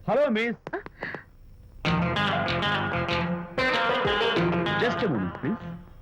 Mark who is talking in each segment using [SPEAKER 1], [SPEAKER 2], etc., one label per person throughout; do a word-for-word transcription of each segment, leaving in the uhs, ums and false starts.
[SPEAKER 1] Hello miss, just a moment please.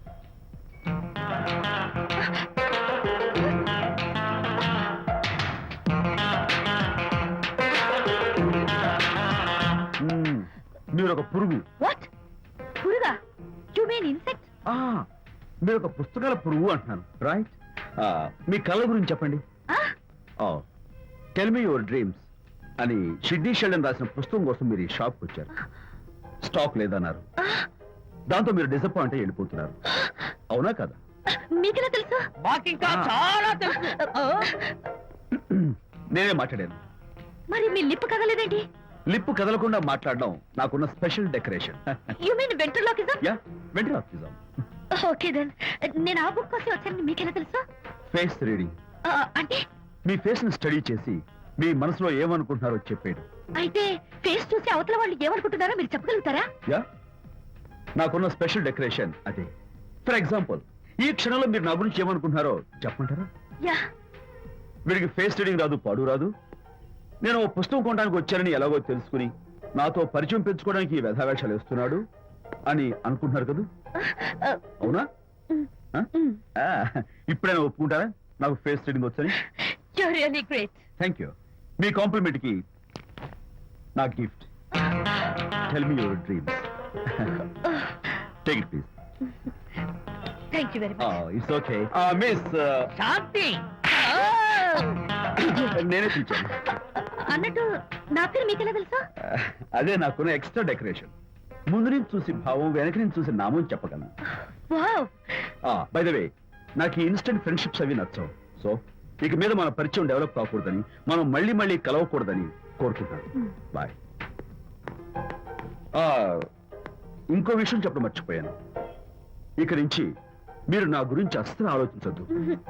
[SPEAKER 1] మీరు ఒక పురుగు.
[SPEAKER 2] వాట్? పురుగా? You mean insect?
[SPEAKER 1] ఆ, మీరు ఒక పుస్తకాల పురుగు అంటున్నాను, రైట్? మీ కళ గురించి చెప్పండి. టెల్ మీ యువర్ డ్రీమ్స్ అని షిడ్నీ షెల్డన్ రాసిన పుస్తకం కోసం మీరు ఈ షాప్కి వచ్చారు. స్టాక్ లేదన్నారు, దాంతో మీరు డిసప్పాయింట్ అయ్యి వెళ్ళిపోతున్నారు, అవునా కదా?
[SPEAKER 2] మీకెలా తెలుసు?
[SPEAKER 3] మాకింకా చాలా తెలుసు.
[SPEAKER 1] నేనే మాట్లాడాను.
[SPEAKER 2] మరి మీ లిప్ కదలేదేంటి?
[SPEAKER 1] లిప్పు కదలకుండా మాట్లాడడం నాకున్న special decoration.
[SPEAKER 2] You mean ventriloquism?
[SPEAKER 1] Yeah, ventriloquism.
[SPEAKER 2] Okay then. నేను ఆ బుక్ కోసం వచ్చానని మీకెలా తెలుసు?
[SPEAKER 1] Face reading.
[SPEAKER 2] అంటే
[SPEAKER 1] మీ ఫేస్ ని స్టడీ చేసి మీ మనసులో ఏమనుకుంటున్నారో చెప్పేడు.
[SPEAKER 2] అయితే ఫేస్ చూసి అవతల వాళ్ళు ఏమనుకుంటున్నారో మీరు చెప్పగలుగుతారా?
[SPEAKER 1] యా, నాకున్న స్పెషల్ డెకరేషన్ అదే. ఫర్ ఎగ్జాంపుల్, ఈ క్షణంలో మీరు నా గురించి ఏమనుకుంటున్నారో చెప్పమంటారా?
[SPEAKER 2] యా.
[SPEAKER 1] వీడికి ఫేస్ రీడింగ్ రాదు, పాడు రాదు. నేను ఓ పుస్తకం కొనడానికి వచ్చానని ఎలాగో తెలుసుకుని నాతో పరిచయం పెంచుకోవడానికి ఈ వ్యధావేషాలు వేస్తున్నాడు అని అనుకుంటున్నారు కదా, అవునా? ఆ, ఇప్పుడైనా ఒప్పుకుంటారా నాకు ఫేస్ రీడింగ్ వచ్చని?
[SPEAKER 2] You are really great.
[SPEAKER 1] Thank you. మీ కాంప్లిమెంట్ కి నా gift. Tell me your dreams. Take it please.
[SPEAKER 2] Thank you very much.
[SPEAKER 1] It's okay. Miss,
[SPEAKER 3] Shanti.
[SPEAKER 1] నేనే పిలిచాను.
[SPEAKER 2] అన్నట్టు నా పేరు మీకెలా తెలుసా?
[SPEAKER 1] అదే నాకున్న ఎక్స్ట్రా డెకరేషన్. ముందు నుంచి చూసి భావం, వెనక నుంచి చూసి నామం చెప్పగలను.
[SPEAKER 2] వావ్.
[SPEAKER 1] బై ద వే, నాకు ఈ ఇన్స్టెంట్ ఫ్రెండ్షిప్స్ అవి నచ్చవు. సో ఇక మీద మన పరిచయం డెవలప్ కాకూడదని, మనం మళ్ళీ మళ్ళీ కలవకూడదని కోరుకుంటాను. బాయ్. ఇంకో విషయం చెప్పడం మర్చిపోయాను. ఇక నుంచి మీరు నా గురించి అస్సలు ఆలోచించొద్దు.